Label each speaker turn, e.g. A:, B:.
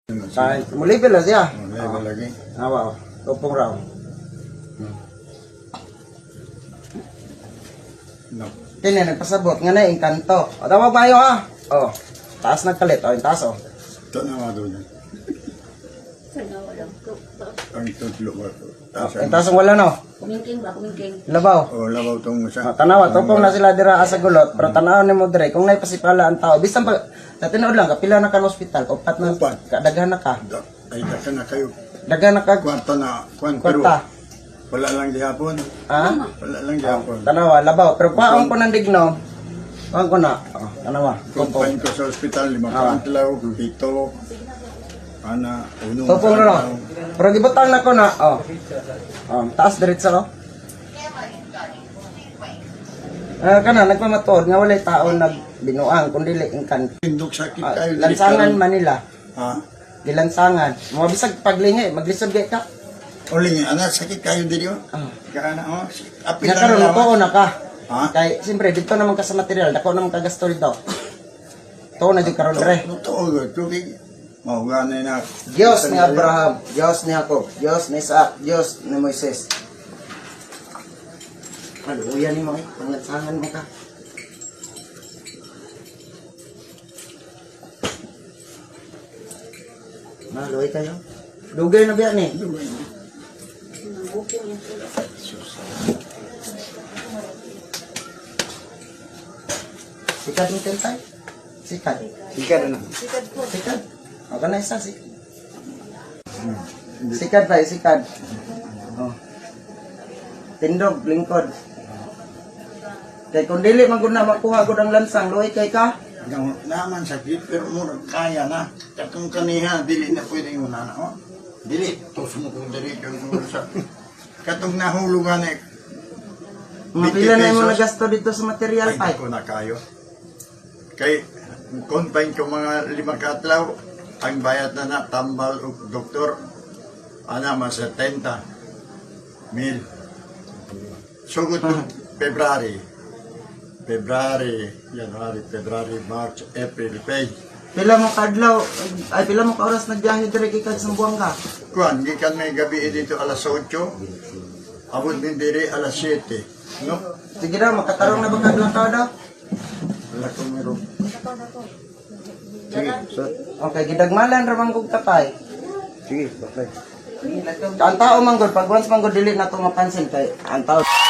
A: Kahit mulipil na siya.
B: Level lagi.
A: Awa, tupong raw.
B: No.
A: Kini nagpasabot nga na engkanto. O tawag ba ha? O, taas nagkalit. O, yung taas o.
B: Ito na mga doon. Ang tutlo ba ito?
A: Yung taas ang wala no.
C: Kumingking ba? Kumingking.
A: Labaw.
B: O, labaw itong
A: O,
B: isa.
A: tanawa, tupong na sila dira asa gulot. Pero tanaw ni mo dire, kung naipasipala ang tao. Bisan pa, sa tinood lang, kapila na ka ng ospital. Upat na,
B: Upat.
A: kadaghan na ka.
B: Ay, daka na kayo.
A: Daghan na ka.
B: Kwarta na. Pero
A: Kwarta.
B: wala lang dihapon.
A: Ha?
B: Wala lang dihapon.
A: Tanawa, labaw. Pero paong ko ng digno. Paong ko na. O, tanawa. Tupong.
B: Kumpain ko sa ospital, 5 kaantlaw, 7. Ana, uno.
A: Tupong na no. Pero gibutang na ko na. O. O, taas diretsa no. Kana nagpamatuod nga walay tao nagbinuang kundi ingkan.
B: Pindok sakit kayo.
A: Lansangan Manila.
B: Ha?
A: Gilansangan. Mga bisag paglingi, maglisod gay ka.
B: Uling, anak sakit kayo dito.
A: Ah.
B: Kaana, oh. Apil lang
A: Nakaroon
B: naman.
A: ko na ka.
B: Ha?
A: Kay siyempre dito naman ka sa material, dako naman ka gasto dito. To na jud karon re.
B: Totoo, tubig. Mahuganay na.
A: Diyos ni Abraham, Diyos ni Jacob, Diyos ni Isaac, Diyos ni Moises. Haluya ni mo eh, panglansangan mo ka. Maluay kayo. Dugay na biya ni.
C: Bukong yung sila.
A: Sikat ni Tentay. Sikat.
B: Ikan na.
C: Sikad po.
A: Sikat. O ka na isa, sikat. Sikat tayo, sikat. Oh. Tindog, lingkod. Kay kung dili man gud na makuha gud ang lansang, luoy kay ka.
B: Naman sakit, pero murag kaya na. Katong kaniha, dili na pwede yung nana. Oh. Dili, tos mo kung dili kang sa... Katong nahulugan eh.
A: Mga pila na yung mga gasto dito sa material
B: Ay,
A: pa.
B: ko na kayo. Kay, confine ko mga 5 katlaw, ang bayad na na, tambal o doktor, mas 70 mil. Sugod ko, February, January, February, March, April, May.
A: Pila mo kadlaw, ay pila mo ka oras nagbiyahe dire kay kad Sambuanga ka.
B: Kuan, gikan may gabi dito alas 8, abot din diri alas 7. No?
A: Sige daw, makatarong na ba kadlaw ka daw?
B: Wala ko meron.
A: Sige. Okay, gidagmalan ra man kog katay.
B: Sige, bakay.
A: Ang tao man gud, pag once man gud dili na to mapansin kay ang tao